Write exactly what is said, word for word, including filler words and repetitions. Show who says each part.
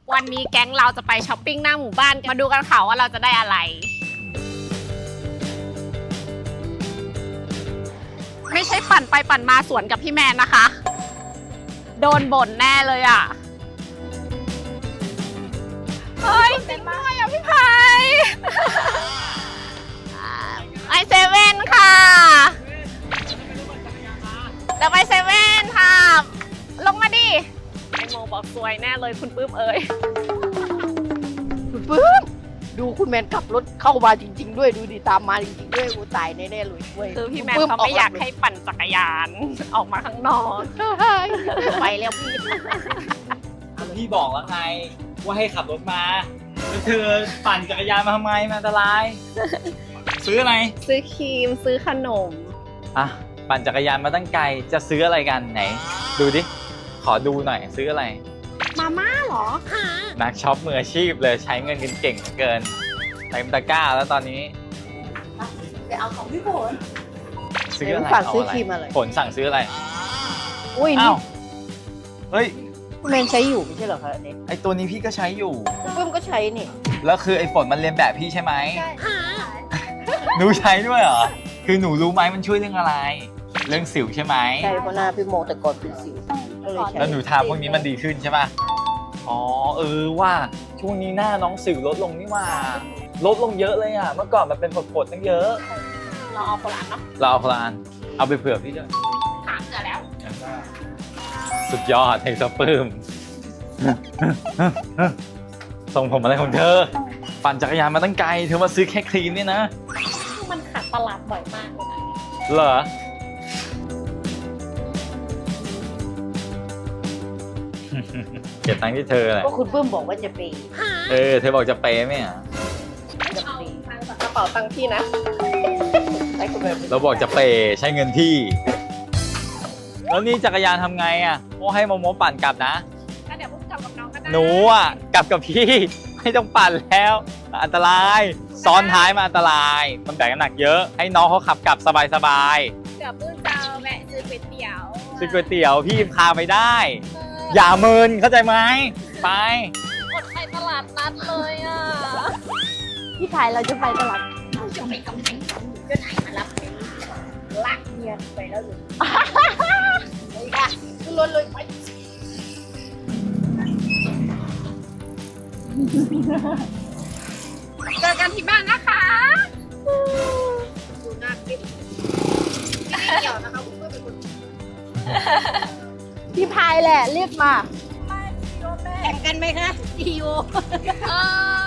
Speaker 1: วันนี้แก๊งเราจะไปช้อปปิ้งหน้าหมู่บ้านมาดูกันค่ะว่าเราจะได้อะไรไม่ใช่ปั่นไปปั่นมาสวนกับพี่แมนนะคะโดนบ่นแน่เลยอ่ะเฮ้ยจริงด้วยอ่ะพี่ไผ่ไอเซเว่นค่ะเดี๋ยวไปเซเว่นค่ะลงมาดิไอโมบอกสวยแน่เลยคุณปื้มเอ๋ย
Speaker 2: คุณปื้มดูคุณแมนขับรถเข้ามาจริง ๆ ด้วยดูดิตามมาจริงๆด้วยกูตายแน่ๆเลยด้วย
Speaker 1: คือพี่แมนเขาไม่อยากให้ปั่นจักรยานออกมาข้างนอก
Speaker 2: ไปแล้วพี่
Speaker 3: พี่บอกแล้วไงว่าให้ขับรถมาแล้วเธอปั่นจักรยานมาทำไมมันอันตราย ซื้ออะไร
Speaker 1: ซื้อครีมซื้อขนม
Speaker 3: อ่ะปั่นจักรยานมาตั้งไกลจะซื้ออะไรกันไหน ดูดิขอดูหน่อยซื้ออะไร
Speaker 1: มาม่าเหรอ
Speaker 3: นักช็อปมืออาชีพเลยใช้เงินกันเก่งเหลือเกินเต็มตะกร้าแล้วตอนนี้
Speaker 2: ไปเอาของพี่ฝน
Speaker 3: ซื้ออะไร
Speaker 2: ฝากซื้อ
Speaker 3: เาะ
Speaker 2: ครีมอะไร
Speaker 3: ผลสั่งซื้ออะไร
Speaker 2: อุ้ย
Speaker 3: อ้า
Speaker 2: นี่
Speaker 3: วเฮ้ย
Speaker 2: คุณแมนใช้อยู่ไม่ใช่เหรอคะอันนี้
Speaker 3: ไอตัวนี้พี่ก็ใช้อยู่
Speaker 2: คุณปื้มก็ใช้นี่
Speaker 3: แล้วคือไอฝนมันเรียนแบบพี่ใช่ไหมหนูใช้ด้วยเหรอคือหนูรู้ไหมมันช่วยเรื่องอะไร เรื่องสิวใช่ไหม
Speaker 2: ใช่เพราะหน้าพี่โมแต่ก่อนเป็นสิวก็เลยใช้
Speaker 3: แล้วหนูทาพวกนี้มันดีขึ้นใช่ป่ะ อ๋อเออว่าช่วงนี้หน้าน้องสิวลดลงนี่ว่าลดลงเยอะเลยอ่ะ เมื่อก่อนมันเป็นผดๆตั้งเยอะ
Speaker 1: เราเอาโบราณเนาะ
Speaker 3: เราเอาพลานเอาไปเผื่อพี่ด้วย
Speaker 1: ถามเจอแล้ว
Speaker 3: สุดยอดเฮงสปื้ม ส่งผมอะไรของเธอ ปั่นจักรยานมาตั้งไกล เธอมาซื้อแค่ครีมเนี่ยนะ
Speaker 1: มันขัดตลาดบ่อยมากเลยนะ
Speaker 3: เหรอ เก็บตังค์ที่เธอแหละ
Speaker 2: ก็คุณปื้มบอกว่าจะไป
Speaker 3: เออ เธอบอกจะเปย์ไหมอ่ะ
Speaker 2: จะไป
Speaker 1: เอาตังค์จากกระเป๋าตังค์พี่นะ
Speaker 2: ให้คุณแมน
Speaker 3: เราบอกจะเปย์ใช้เงินพี่ แล้วนี่จักรยานทำไงอ่ะโมให้โมโมปั่นกลับนะ
Speaker 1: ก็เดี๋ยวพุ่งกลับกับน้องก็ได้
Speaker 3: หนูอ่ะกลับกับพี่ ไม่ต้องปั่นแล้ว อันตราย ซ้อนท้ายมาอันตราย มันแบกน้ำหนักเยอะ ให้น้องเขาขับกลับสบาย
Speaker 1: เดี๋ยวพุ่งจะแวะซื้อก๋วยเตี๋ยว
Speaker 3: ๆซื้อก๋วยเตี๋ยวพี่พาไปได้ อย่าเมินเข้าใจไหมไป
Speaker 1: อดไปตลาดนัดเลยอ่ะ
Speaker 2: พี่ชายเราจะไปตลาด
Speaker 1: เราจะไปกำแพงเพชรจะไหนมารับเป็นลักเมียไปแล้วหรือ
Speaker 2: ไปค่ะขึ้นรถเลยไป
Speaker 1: เจอกันที่บ้านนะคะ
Speaker 2: ดูหน้าคลิปไม่เกี่ยวนะคะคุณปื้มเป็นคนพี่พายแหละเรียกมาแข่งกันไหมคะจีโอ
Speaker 1: เออ